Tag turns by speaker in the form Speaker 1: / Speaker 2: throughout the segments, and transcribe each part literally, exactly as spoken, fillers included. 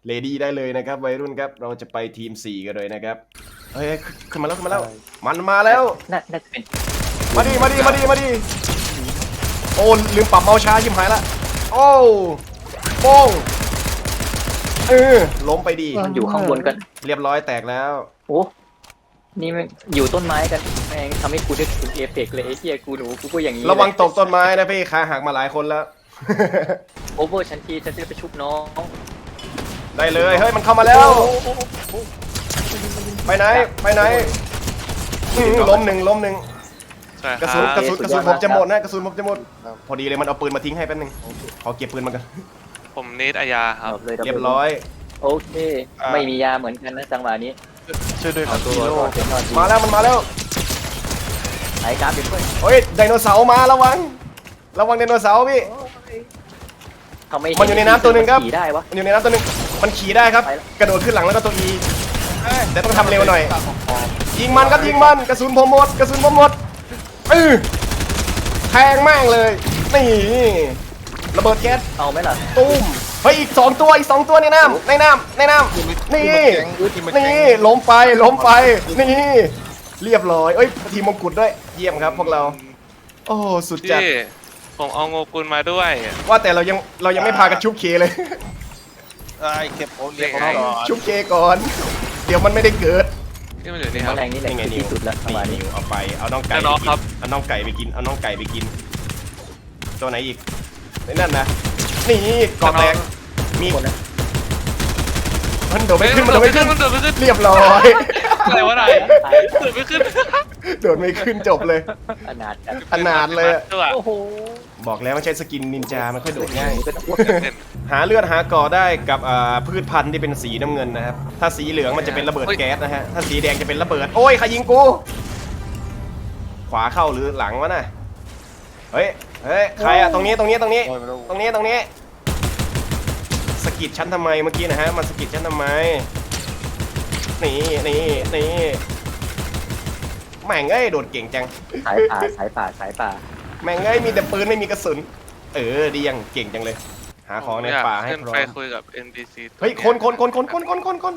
Speaker 1: เลดี้ได้เลยนะครับวัยรุ่นครับเราจะไปทีมสี่กันเลยนะครับเฮ้ยขึ้นมาแล้วขึ้นมาแล้วมันมาแล้ว
Speaker 2: น่าน่าจะเป็น
Speaker 1: มาดิมาดิมาดิมาดิโอ้ลืมปรับเมาส์ช้าชิมหายละโอ้โป้งเออล้มไปดี
Speaker 2: มันอยู่ข้างบนกัน
Speaker 1: เรียบร้อยแตกแล้ว
Speaker 2: โอ้นี่มันอยู่ต้นไม้กันแม่งทำให้กูได้ถึงเอฟเฟกต์เลยไอ้เหี้ยกูหนูกูก็อย่างนี้
Speaker 1: ระวังตกต้นไม้นะพี่ขาหักมาหลายคนแล้ว
Speaker 2: โอเวอร์ชันทีฉันจะไปชุบน้อง
Speaker 1: ได้เลยเฮ้ยมันเข้ามาแล้วไปไหนไปไหนอื้อล้มหนึ่งล้มหนึ่ง
Speaker 3: ใช่ค
Speaker 1: กระ
Speaker 3: รั
Speaker 1: สุน
Speaker 3: บ
Speaker 1: กระสุนกระสุนผมจะหมดนะกระสุนผมจะหมดพอดีเลยมันเอาปืนมาทิ้งให้แป๊บนึงขอเก็บปืนมากัน
Speaker 3: ผมเนทอายาครับ
Speaker 2: ดับเลยดับล
Speaker 1: เรียบร้อย
Speaker 2: โอเคไม่มียาเหมือนกันนะจังหวะนี้
Speaker 4: ช่วยด้วยค
Speaker 2: เอา
Speaker 4: รับ
Speaker 2: ตัว
Speaker 4: ฮีโร่
Speaker 2: รอดเป็นรอดดี
Speaker 1: มาแล้วมันมาแล้ว
Speaker 2: ไอ้กราฟเป็นเพื่อน
Speaker 1: เฮ้ยไดโนเสาร์มาระวังระวังไดโนเสาร์พี่
Speaker 2: เขาไม่
Speaker 1: มันอยู่ในน้ำตัวหนึ่งครับ
Speaker 2: ขี่ได้วะ
Speaker 1: มันอยู่ในน้ำตัวหนึงมันขี่ได้ครับ
Speaker 2: ไปแล้ว
Speaker 1: กระโดดขึ้นหลังแล้วก็ตัวอีแต่ต้องทำเร็วหน่อยยิงมันครับยิงมันกระสุนผมหมดกระสุนผมหมดเออแทงแม่งเลยนี่ระเบิดแก๊ส
Speaker 2: เอาไหมล่ะ
Speaker 1: ตุ้มเฮ้ยอีกสองตัวอีกสองตัวในน้ำในน้ำในน้ำนี่นี่ล้มไปล้มไปนี่เรียบร้อยเอ้ยทีมมงกุฎด้วยเยี่ยมครับพวกเราโอ้สุดจัด
Speaker 3: พี่ผมเอาโงกุลมาด้วย
Speaker 1: ว่าแต่เรายังเรายังไม่พากันชุบเคเลย
Speaker 4: ไอ้เก็บโอเลี้ยง
Speaker 3: ยังไง
Speaker 4: ก่อน
Speaker 1: ชุบเคก่อน เดี๋ยวมันไม่ได้เกิด
Speaker 3: ที่มันอยู่นี่ครับ
Speaker 2: แมลงนี่แหละ
Speaker 1: นี่ไง
Speaker 2: คือ
Speaker 1: นิว
Speaker 2: ที่สุดแล้วประมาณ
Speaker 1: นี่
Speaker 2: นี้
Speaker 1: นิวเอาไปเอาน้องไก่
Speaker 3: แต่น้อง
Speaker 1: ไปกิ
Speaker 3: ครับ
Speaker 1: เอาน้องไก่ไปกินเอาน้องไก่ไปกินตัวไหนอีกไอ้นั่นนะนี่กรอบแตกมี
Speaker 2: คนนะ
Speaker 1: มันโดดไม่ขึ้นมันโดดไม่ขึ้น
Speaker 3: มันโดดไม่ขึ้น
Speaker 1: เรียบร้อย
Speaker 3: อะไรวะนาย
Speaker 2: ตาย
Speaker 3: โดดไม่ขึ้น
Speaker 1: โดดไม่ขึ้นจบเลย
Speaker 2: ขนาดกัน
Speaker 1: ขนาดเลยอะ
Speaker 3: ตัว
Speaker 2: โอ้โห
Speaker 1: บอกแล้วมันใช้สกินนินจามันค่อยโดดง่าย
Speaker 2: ก็ต้องอ้วก
Speaker 1: หาเลือดหาก่อได้กับอ่าพืชพันธุ์ที่เป็นสีน้ำเงินนะครับถ้าสีเหลืองมันจะเป็นระเบิดแก๊สนะฮะถ้าสีแดงจะเป็นระเบิดโอ้ยใครยิงกูขวาเข้าหรือหลังวะน่ะเฮ้ยเฮ้ยใครอะตรงนี้ตรงนี้ตรงนี้
Speaker 4: โอ้ยไม่รู้
Speaker 1: ตรงนี้ตรงนี้สะกิดฉันทำไมเมื่อกี้นะฮะมันสะกิดฉันทำไมนี่นี่นี่แม่งเอ้ยโดดเก่งจัง
Speaker 2: สายป่าสายป่าสายป่า
Speaker 1: แม่งเอ้ยมีแต่ปืนไม่มีกระสุนเออดียังเก่งจังเลย หาของในป่าให้
Speaker 3: ขึ้น
Speaker 1: พร้อ
Speaker 3: ไป
Speaker 1: ม
Speaker 3: คุยกับ เอ็น พี ซี
Speaker 1: เฮ้ยคนคนคนคนคนคนคนคน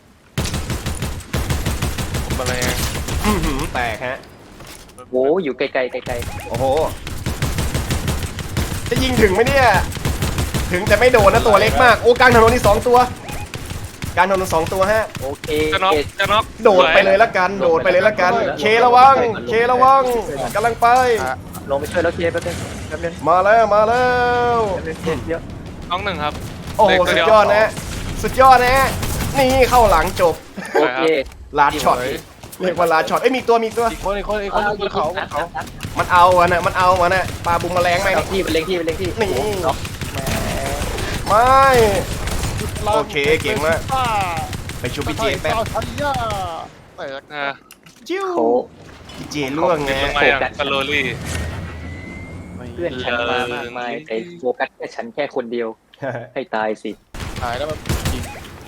Speaker 3: ผมอะไร
Speaker 1: อื้อหือแตกฮะ
Speaker 2: โอ้อยู่ไกลๆไกล
Speaker 1: โอ้โหจะยิงถึงไหมเนี่ยถึงแต่ไม่โดนนะตัวเล็กมากโอ้กลางถนนนี่สองตัวกลางถนนสองตัวฮะ
Speaker 2: ๆโอเค
Speaker 3: จะน็อกจะน็อก
Speaker 1: โดดไปเลยละกัน โดดไปเลยละกัน เคระวัง เคระวังกำลังไป
Speaker 2: ลงไปช่วยแล้วเคแป๊บนึงแป๊บนึง
Speaker 1: มาแล้ว มาแล้ว
Speaker 2: แป๊บนึงเคเยอะ
Speaker 3: น้องหนึ่งครับ
Speaker 1: โอ้โห สุดยอดนะ สุดยอดนะ นี่เข้าหลังจบ
Speaker 2: โอเค
Speaker 1: ลาดช็อต เรียกว่าลาดช็อต เอ้ย มีตัว มีตัว
Speaker 4: อีกคนอีกคนอีกคนบนเขาบนเขา
Speaker 1: มันเอาอะนะมันเอาอะนะปลาบุมแมลงไหม
Speaker 2: เล็งที่เป็นเล็งที่เป็นเล็งที่
Speaker 1: นี่
Speaker 2: น็อกแหม
Speaker 1: ไม่ โอเคเก่งมาก ไปชูพี่เจแป๊บ
Speaker 4: ทันย่าแต่
Speaker 3: อ่า
Speaker 1: จิ้ว
Speaker 2: โค
Speaker 1: พี่เจล่วงไง
Speaker 3: ทำไมอ่ะสโลลี่
Speaker 2: เพื่อนฉันมามากมายแต่โฟกัสแค่ฉันแค่คนเดียวให้ตายสิ
Speaker 4: หายแล้วมันยิง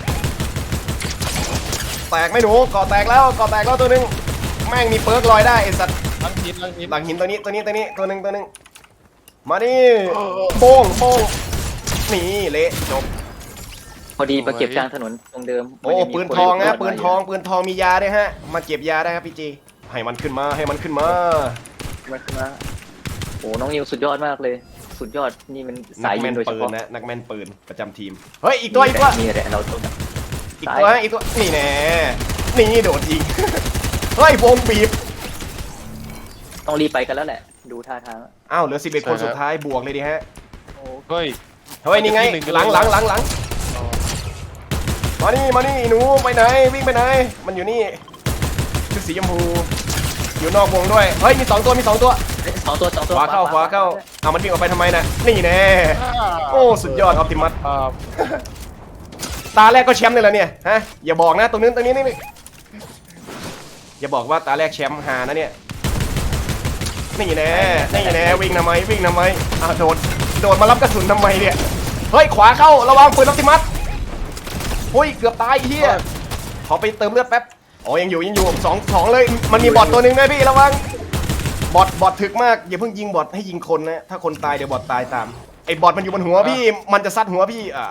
Speaker 1: แตกไหม่หนูก่อแตกแล้วก่อแตกแล้วตัวหนึงแม่งมีเปิร์กลอยได้ไอ้สัตว์
Speaker 4: ลังหินลังหิน
Speaker 1: หลังหินตัวนี้ตัวนี้ตัวนี้ตัวหนึ่งตัวหนึ่งมาดิโป้งโป้งนี่เละจบ
Speaker 2: พอดีมาเก็บกลางถนนตรงเดิม
Speaker 1: โอ้ปืนทองนะปืนทองปืนทองมียาด้วยฮะมาเก็บยาได้ครับพี่จีให้มันขึ้นมาให้มันขึ้นมา
Speaker 2: มาขึ้นมาโอ้น้องนิวสุดยอดมากเลย สุดยอดนี่มัน
Speaker 1: นั
Speaker 2: สาย
Speaker 1: ก
Speaker 2: ยิ
Speaker 1: แม่
Speaker 2: ง
Speaker 1: น
Speaker 2: โดยเฉ
Speaker 1: ปืน
Speaker 2: พาะ
Speaker 1: นะนักแม่นปืนประจำทีมเฮ้ยอีกตัวอีกตัว
Speaker 2: มีแต่เราต้อง
Speaker 1: อีกตัวฮะอีกตัวนี่แน่นี่โดดยิง เฮ้ยวงบีบ
Speaker 2: ต้องรีบไปกันแล้วแหละ ดูท่าทาง
Speaker 1: อ้าวเหลือสิบเอ็ดคนสุดท้ายบวกเลยดิฮะ
Speaker 4: เฮ้ย
Speaker 1: เฮ้ยนี่ไงหลังหลังหลังหลังมานี่มานี่หนูไปไหนวิ่งไปไหนมันอยู่นี่ชุดสีชมพูอยู่นอกวงด้วยเฮ้ยมีสองตัวมีสองตัว
Speaker 2: สองตัวสองตัว
Speaker 1: ขวาเข้าขวาเข้าเอามันวิ่งออกไปทำไมน่ะนี่แน่โอ้สุดยอดออปติมัส
Speaker 4: อ่า
Speaker 1: ตาแรกก็แชมป์เลยเหรอเนี่ยฮะอย่าบอกนะตรงนี้ตรงนี้นี่อย่าบอกว่าตาแรกแชมป์หานะเนี่ยนี่แน่นี่แน่วิ่งทำไมวิ่งทำไมอ่ะโดดโดดมารับกระสุนทำไมเนี่ยเฮ้ยขวาเข้าระวังปืนออปติมัสโอ้ยเกือบตายเฮียขอไปเติมเลือดแป๊บอ๋อยังอยู่ยังอยู่สองสองเลยมันมีบอทตัวหนึ่งด้วยพี่ระวังบอทบอทถึกมากอย่าเพิ่งยิงบอทให้ยิงคนนะถ้าคนตายเดี๋ยวบอทตายตามไอ้บอทมันอยู่บนหัวพี่มันจะซัดหัวพี่อ่ะ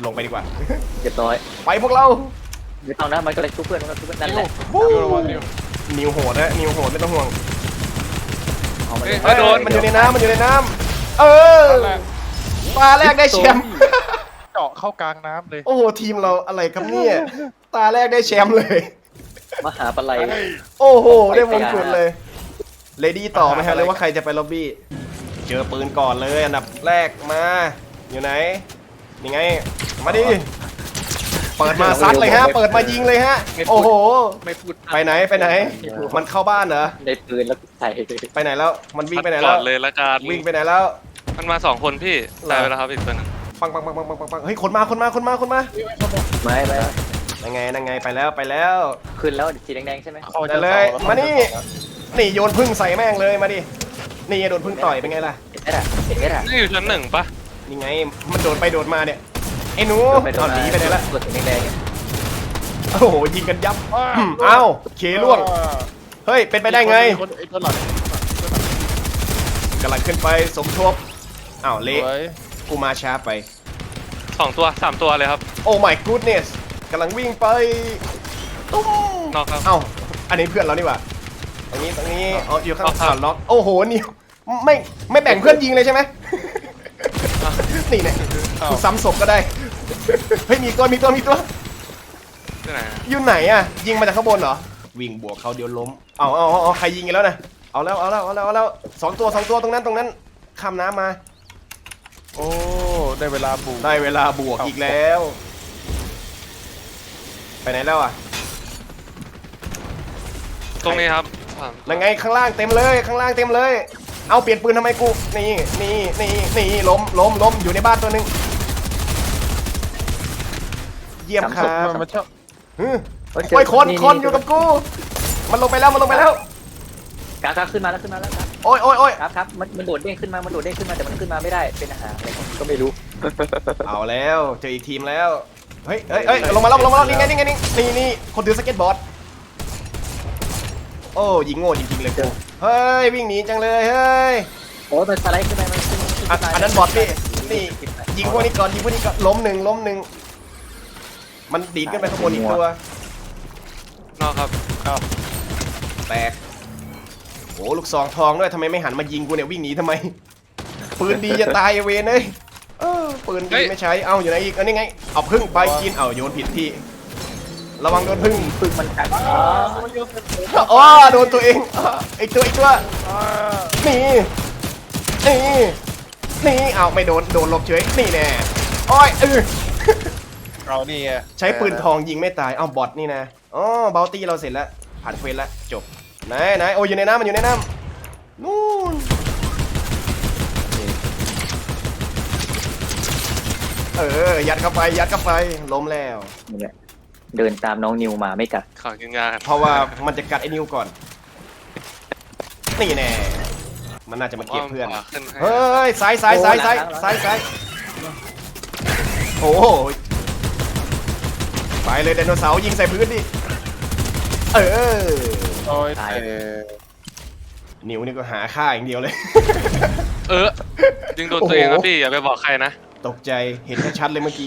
Speaker 1: ลงไปดีกว่า
Speaker 2: เรียบร้อย
Speaker 1: ไปพวกเรา
Speaker 2: ไม่ต้องนะมันก็เลยชุบเพื่อนมันก็ชุบเพื่อนนั่นแหละ
Speaker 1: วู้
Speaker 4: นิวระวังนิว
Speaker 1: นิวโหดนะนิวโหดไม่ต้องห่วง
Speaker 2: เอามาเล
Speaker 1: เฮ้
Speaker 2: ย
Speaker 1: ยโดนมันอยู่ในน้ำมันอยู่ในน้ำเออตาแรกได้แชมป์
Speaker 4: เจาะเข้ากลางน้ำเลย
Speaker 1: โอ้โหทีมเราอะไรครับเนี่ยตาแรกได้แชมป์เลย
Speaker 2: มหาปลัย
Speaker 1: โอ้โหได้มงกุฎเลยเลดี้ต่อไหมฮะหรือว่าใครจะไปล็อบบี้เจอปืนก่อนเลยอันดับแรกมาอยู่ไหนยังไงมาดิเปิดมาซัดเลยฮะเปิดมายิงเลยฮะโอ้โห
Speaker 2: ไม่พูด
Speaker 1: ไปไหนไปไหนมันเข้าบ้านเหรอ
Speaker 2: ในปืนแล้วใส่
Speaker 1: ไปไหนแล้วมันวิ่งไปไหน
Speaker 3: ก่
Speaker 1: แล้
Speaker 3: อ
Speaker 1: วน
Speaker 3: เลยละกัน
Speaker 1: วิ่งไปไหนแล้ว
Speaker 3: มันมาสองคนพี่ตายไปแล้วครับอีกตัวหนึง
Speaker 1: ปังปังปังปังปังปังปังเฮ้ยคนมาคนมาคนมาคนมา
Speaker 2: ไม่ไม่
Speaker 1: นั่งไงนั่งไงไปแล้วไปแล้ว
Speaker 2: ขึ้นแล้วสีแดงๆใช่ไหม
Speaker 4: เข้า
Speaker 1: ได้เลย มานี่ นี่โยนพึ่งใส่แม่งเลยมาดินี่โดนพึ่งต่อยเป็นไงล่ะ
Speaker 2: เห็นไหมล่ะเห็นไหมล่ะ
Speaker 3: นี่อยู่ชั้นหนึ่งปะ
Speaker 1: นี่ไงมันโดดไปโดดมาเนี่ยไอ้หนู
Speaker 2: ไปโด
Speaker 1: เอา
Speaker 2: น
Speaker 1: หนีไปไหนละ
Speaker 2: ตัวสีแดง
Speaker 1: โอ้โหยิงกันยับอืมเอ้าเคล่วงเฮ้ยเป็นไปได้ไง
Speaker 4: คนไอ้ตัวหลัง
Speaker 1: กำลังขึ้นไปสมทบอ้าว
Speaker 4: ส
Speaker 1: เละ
Speaker 4: วย
Speaker 1: กูมาช้าไป
Speaker 3: สองตัวสามตัวเลยครับ
Speaker 1: โอ้ my goodness กำลังวิ่งไปตุ้ม
Speaker 3: นอกครับ
Speaker 1: เอ้าอันนี้เพื่อนเรานี่หว่าตรงนี้ตรงนี้อ๋ออยู่ข้าง
Speaker 3: เอาครับ
Speaker 1: ข่าวล็อกโอ้โหนิวไม่ไม่แบ่งเพื่อนยิงเลยใช่ไหม นี่เนี่ยกูซ้ำศพก็ได้ เฮ้ยมีตัวมีตัวมีตัว
Speaker 3: ที่ไหนอะ
Speaker 1: อยู่ไหนอ่ะยิงมาจากข้างบนเหรอวิ่งบวกเขาเดี๋ยวล้มเอาเอาเอาเอาใครยิงกันแล้วนะเอาแล้วเอาแล้วเอาแล้วเอาแล้วสองตัวสองตัวตรงนั้นตรงนั้นข้ามน้ำมา
Speaker 4: โอ้ได้เวลาบูม
Speaker 1: ได้เวลาบวกอีกแล้ว ไปไหนแล้วอ่ะ
Speaker 3: ตรงนี้ครับ
Speaker 1: ยังไงข้างล่างเต็มเลยข้างล่างเต็มเลย เอาเปลี่ยนปืนทำไมกูนี่นี่นี่นี่ล้มล้มล้มอยู่ในบ้านตัวหนึ่งเยี่ยมครับ
Speaker 4: มันมันชอบ
Speaker 1: ฮึโอ้ยคนคนอยู่กับกู มันลงไปแล้วมันลงไปแล้ว
Speaker 2: กราฟขึ้นมาแล้วขึ้นมาแล้วครับ
Speaker 1: โอ้ยโอ้ยโอ้ย
Speaker 2: ครับครับมันมันโดดเด้งขึ้นมามันโดดเด้งขึ้นมาแต่มันขึ้นมาไม่ได้เป็นอาหารอะไรก็ไม่รู้
Speaker 1: เอาแล้วเจออีกทีมแล้วเฮ้ยเฮ้ยเฮ้ยลงมาแล้วลงมาแล้วนี่ไงนี่ไงนี่นี่นี่คนถือสเก็ตบอร์ดโอ้ยิงโง่จริงๆเลยกูเฮ้ยวิ่งหนีจังเลยเฮ้ย
Speaker 2: โอ้มันสไลด์ขึ้นไปมันขึ้น
Speaker 1: อันอันนั้นบอทพี่นี่ยิงพวกนี้ก่อนยิงพวกนี้ก่อนล้มหนึ่งล้มหนึ่งมันดีดขึ้นไปข้างบนอีกตัวน
Speaker 3: อกครับ
Speaker 1: แตกโอ้ลูกซองทองด้วยทำไมไม่หันมายิงกูเนี่ยวิ่งหนีทำไมปืนดีจะตายไอ้เวนเอ้ยเออปืนดีไม่ใช้เอาอยู่ไหนอีกอันนี้ไงเอาพึ่งไปกินเอาโยนผิดที่ระวังโดนพึ่ง
Speaker 2: พึ่งมันกัด
Speaker 1: อ๋อโดนตัวเองอ๋อไอ้ตัวไอ้ตัวนี่นี่นี่เอาไม่โดนโดนหลบเฉยนี่แน่โอ้ยเออ
Speaker 4: เรานี่ไง
Speaker 1: ใช้ปืนทองยิงไม่ตายเอาบอทนี่นะอ๋อเบลตี้เราเสร็จแล้วผ่านเควสแล้วจบไหนไหนโอ้ยอยู่ในน้ำมันอยู่ในน้ำนู่นเออยัดเข้าไปยัดเข้าไปล้มแล้ว
Speaker 2: นี่แหละเดินตามน้องนิวมาไม่กัด
Speaker 3: ขอกินยากัน
Speaker 1: เพราะว่ามันจะกัดไอ้นิวก่อนนี่แน่มันน่าจะมาเก็บเพื่อน
Speaker 3: ขวาขึ้นให้
Speaker 1: เฮ้ยซ้ายซ้ายซ้ายซ้ายซ้ายซ้ายโอ้โหไปเลยไดโนเสาร์ยิงใส่พื้นดิเออ
Speaker 4: โอ้ย
Speaker 2: ตาย
Speaker 4: เออ
Speaker 1: นิวนี่ก็หาค่าอย่างเดียวเลย
Speaker 3: เออยิงโดนตัวเองครับพี่อย่าไปบอกใครนะ
Speaker 1: ตกใจเห็นชัดๆเลยเมื่อกี้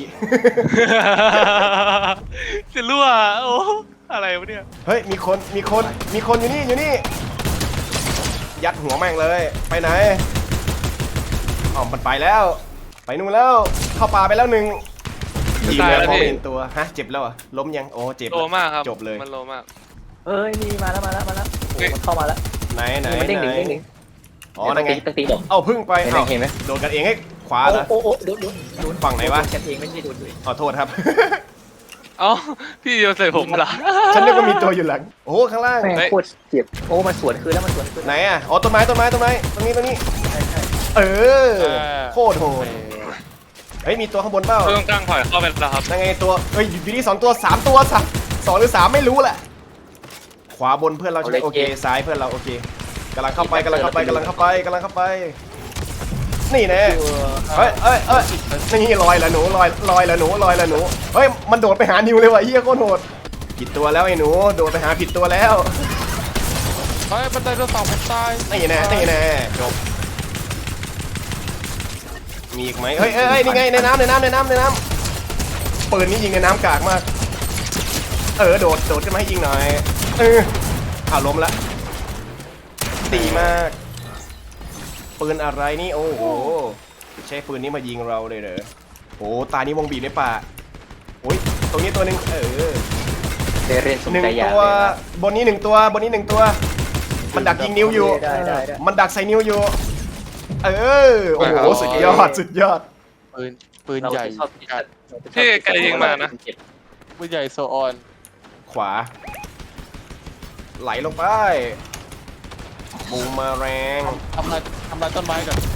Speaker 3: จะรั่วโอ้อะไรวะเนี่ย
Speaker 1: เฮ้ยมีคนมีคนมีคนอยู่นี่อยู่นี่ยัดหัวแม่งเลยไปไหนอ๋อมันไปแล้ว ไปนู่นแล้วเข้าป่าไปแล้วหนึ่งยิงเลยพอเห็นตัวฮะเจ็บแล้วเหรอ่ะล้มยังโอ้เจ็บ
Speaker 3: โลมากครับ
Speaker 1: จบเลย
Speaker 3: มันโลมาก
Speaker 2: เอ้ยนี่มาแล้วมาแล้วมาแล้วโอ้มันเข้ามาแล้ว
Speaker 1: ไหนไหน
Speaker 2: มันเด้งห
Speaker 1: ไห
Speaker 2: นึ่
Speaker 1: น
Speaker 2: งเด้งหนึ่ง
Speaker 1: อ๋อนั่นไง
Speaker 2: ตีตีเด็ก
Speaker 1: เอาพึ่งไป
Speaker 2: เห็นไหม
Speaker 1: เอา
Speaker 2: เห็นไหม
Speaker 1: โดนกันเองให้ขวาเหรอ
Speaker 2: โอ้โอ้โดนโดนโดน
Speaker 1: ฝั่งไหนวะ
Speaker 2: กันเองไม่ใช่โดนด้วย
Speaker 1: ขอโทษครับ
Speaker 3: เอ้าพี่โยนใส่ผมเหรอ
Speaker 1: ฉันนึกว่ามีตัวอยู่หลังโอ้โหข้างล่าง
Speaker 2: แม่ง
Speaker 3: เฮ้ย
Speaker 2: โคตรเจ็บโอ้มันสวนคืนแล้วมันสวนคืน
Speaker 1: ไหนอ่ะอ๋อต้นไม้ต้นไม้ต้นไม้ตรงนี้ตรงนี้
Speaker 2: ใช่ใช่
Speaker 1: เออโคตรโหดเฮ้ยมีตัวข้างบนเปล่า
Speaker 3: เพิ่งตั้งถอยเข้าไปแล้วครับ
Speaker 1: นั่นไงตัวเฮ้ยอยู่นี่สองตัวสามตัวสามสองหรือสามไม่รู้แหละขวาบนเพื่อนเราใช่ไหมโอเคซ้ายเพื่อนเราโอเคกำลังเข้าไปกำลังเข้าไปกำลังเข้าไปกำลังเข้าไปนี่แน่เฮ้ยเอ้ยเอ้ยนี่ลอยละหนูลอยลอยละหนูลอยละหนูเฮ้ยมันโดดไปหานิวเลยว่ะเฮียโคตรโหดผิดตัวแล้วไอ้หนูโดดไปหาผิดตัวแล้ว
Speaker 4: เฮ้ยมันไดโนเสาร์ผมตาย
Speaker 1: นี่แน่นี่แน่จบมีอีกไหมเฮ้ยเฮ้ยเฮ้ยนี่ไงในน้ำในน้ำในน้ำในน้ำปืนนี้ยิงในน้ำกากมาก เออโดดโดดขึ้นมาให้ยิงหน่อยเอออ้าวล้มละดีมากปืนอะไรนี่โอ้โหใช้ปืนนี้มายิงเราเลยเหรอโอ้ตานี้วงบีบในป่าโอ้ยตรงนี้ตัวหนึ่งเออ
Speaker 2: เดเรนสม
Speaker 1: หนึ่ง
Speaker 2: ใจอยาก
Speaker 1: ตัว
Speaker 2: เลยนะ
Speaker 1: บนนี้หนึ่งตัวบนนี้หนึ่งตัว มันดักยิงนิ้วอยู่
Speaker 2: ได้ได้ได้
Speaker 1: มันดักใส่นิ้วอยู่ เออโอ้โหสุดยอดสุดยอด
Speaker 4: ปืนปืน
Speaker 2: เรา
Speaker 4: ใหญ่
Speaker 2: จะชอบที่
Speaker 4: จัด
Speaker 3: พี่ไกลยิงมานะ
Speaker 4: ปืนใหญ่โซออน
Speaker 1: ขวา ไหลลงไปบูมมาแรง
Speaker 4: ทำลายทำลายต้นไม้ก่อน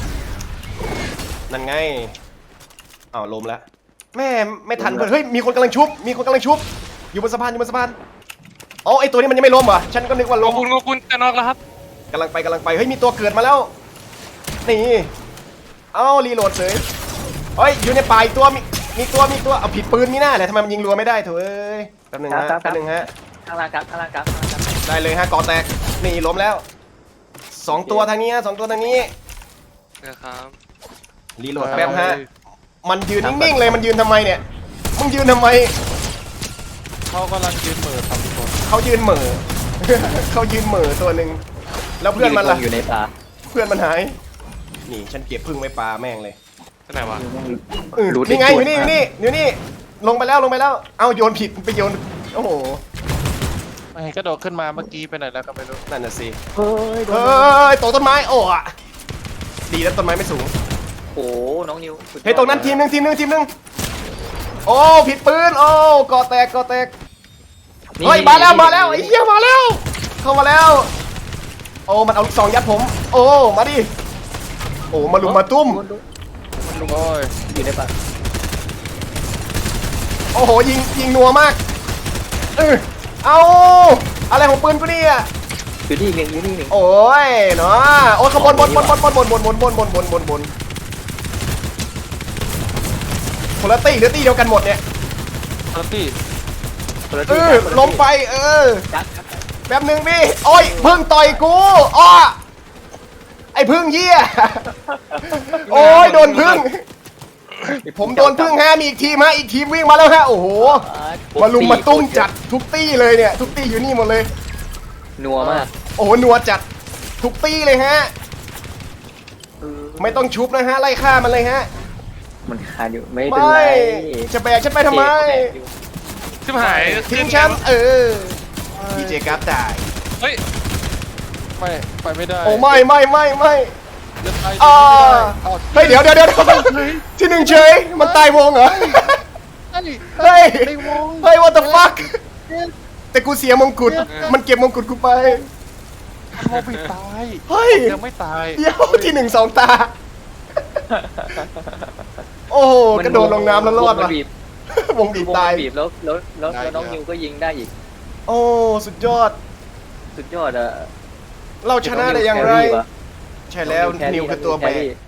Speaker 1: นั่นไงอ้าวลมแล้วแม่ไม่ทันเพื่อนเฮ้ยมีคนกำลังชุบ มีคนกำลังชุบ อยู่บนสะพานอยู่บนสะพานอ๋อไอตัวนี้มันยังไม่ล้มเหรอฉันก็นึกว่า
Speaker 3: ข
Speaker 1: ล้
Speaker 3: อบ
Speaker 1: ม
Speaker 3: คุณขอบคุณจะนอกแล้วครับ
Speaker 1: กำลังไปกำลังไปเฮ้ยมีตัวเกิดมาแล้วนี่เอ้ารีโหลดเลยเฮ้ยอยู่ในป่าอีกตัวมีมีตัวมีตัวเอาผิดปืนมีหน้าแหละทำไมมันยิงรัวไม่ได้เถอะเอ้ยแป๊บหนึงฮะแป๊บหนึงฮะ
Speaker 2: ข้างล่างครับข้างล่างครับข้างล่างครับ
Speaker 1: ได้เลยฮะก่อแตกนี่ล้มแล้วสองตัวทางนี้ฮะสองตัวทางนี้
Speaker 3: นะครับ
Speaker 1: รีโหลดแป๊บฮะมันยืนนิ่งๆเลยมันยืนทำไมเนี่ยมึงยืนทำไม
Speaker 4: เขากำลังยืนเหมือทำคน
Speaker 1: เขายืนเหม่อ เขายืนเหม่อตัวหนึ่งแล้วเพื่อนมันล่ะ
Speaker 2: อยู่ในป่า
Speaker 1: เพื่อนมันหายนี่ฉันเก็บพึ่งไว้ปลาแม่งเลย
Speaker 3: ที่ไหนวะ
Speaker 1: เออนี่ไงอยู่นี่อยู่นี่อยู่นี่ลงไปแล้วลงไปแล้วเอาโยนผิดไปโยนโอ้โห
Speaker 4: ไม่เห็นกระโดดขึ้นมาเมื่อกี้ไปไหนแล้วก็ไม่รู้
Speaker 1: นั่นน่ะสิ
Speaker 2: เฮ้ยโด
Speaker 1: เฮ้
Speaker 2: น
Speaker 1: ยตกต้นไม้โอ้อะดีแล้วต้นไม้ไม่สูง
Speaker 2: โอ้น้องนิวสุดอด
Speaker 1: เฮ้ยตรงนั้นทีมหนึ่งทีมหนึ่งทีมหนึ่งโอ้ผิดปืนโอ้ก่อแตกก่อแตก
Speaker 2: นี่
Speaker 1: เฮ้ยมาแล้วมาแล้วไอ้เหี้ยมาแล้ว เข้ามาแล้ว โอ้มันเอาลูกซองยัดผม โอ้มาดิโอ้มาลุมมาตุ้ม
Speaker 2: โดนโดน
Speaker 4: โอ้ย
Speaker 2: อยู่ในป่า
Speaker 1: โอ้โหยิงยิงนัวมากเออเอาอะไรของปืนกูเนี่ย
Speaker 2: อยู่นี่หนึ่งอยู่นี่หนึ่ง
Speaker 1: โอ้ยเนาะโอ้ยขบวนบนบนบนบนบนบนบนบนบนบนบนบนคนละตีหรือตีเดียวกันหมดเนี่ย
Speaker 4: ปาร์ตี้
Speaker 2: คนละ
Speaker 1: เอ
Speaker 2: ที่
Speaker 1: อ
Speaker 2: คนละที่
Speaker 1: ลงไปเออ
Speaker 2: จัดจัดจัด
Speaker 1: แป๊บหนึ่งพี่โอ้ยพึ่งต่อยกูอ้อไอ้พึ่งเหี้ยโอ้ยโดนพึ่งผมโดนพึ่งฮะมีอีกทีมฮะอีกทีมวิ่งมาแล้วฮะโอ้โหมาลุมมาตุ้มจัดทุกตี้เลยเนี่ยทุกตี้อยู่นี่หมดเลย
Speaker 2: นัวมาก
Speaker 1: โอ้โหนัวจัดทุกตี้เลยฮะไม่ต้องชุบนะฮะไล่ฆ่ามันเลยฮะ
Speaker 2: มันขาดอยู่ไม่เป็น
Speaker 1: ไม่
Speaker 2: ไร
Speaker 1: จะแบกฉันไปทำไม
Speaker 3: ชิบหาย
Speaker 1: ทิ้งแชมป์เออดีเจกราฟตาย
Speaker 3: เฮ้ย
Speaker 4: ไม่ไปไม่ได้
Speaker 1: โอ้ไม่ไม่ไม่ไม่
Speaker 4: จะตาย
Speaker 1: อ่า
Speaker 4: อ้าว
Speaker 1: เฮ้ยเดี๋ยวเดี๋ยวเดี๋ยวที่หนึ่งเฉยมันตายวงเหรอ
Speaker 4: เฮ้ย
Speaker 1: เฮ้ย
Speaker 4: ในวง
Speaker 1: เฮ้ย what the fuck แต่กูเสียมงกุฎมันเก็บมงกุฎกูไป
Speaker 4: โมบิตาย
Speaker 1: เฮ้ย
Speaker 4: ยังไม่ตาย
Speaker 1: เดี๋ยวที่หนึ่งสองตา โอ้โหกระโดดลงน้ำแล้วรอด
Speaker 2: มั
Speaker 1: ว่ะ
Speaker 2: นบีบ
Speaker 1: วงบีบตาย
Speaker 2: วงมันบีบแล้วแล้วแล้วแล้วน้องนิวก็ยิงได้อีก
Speaker 1: โอ้สุดยอด
Speaker 2: สุดยอดอะ
Speaker 1: เราชนะได้อย่างไร
Speaker 2: น้นิวแควะ
Speaker 1: ใช่แล้ว
Speaker 2: น้อง
Speaker 1: นิวคือตัวแบ
Speaker 2: แค
Speaker 1: ก
Speaker 2: รี่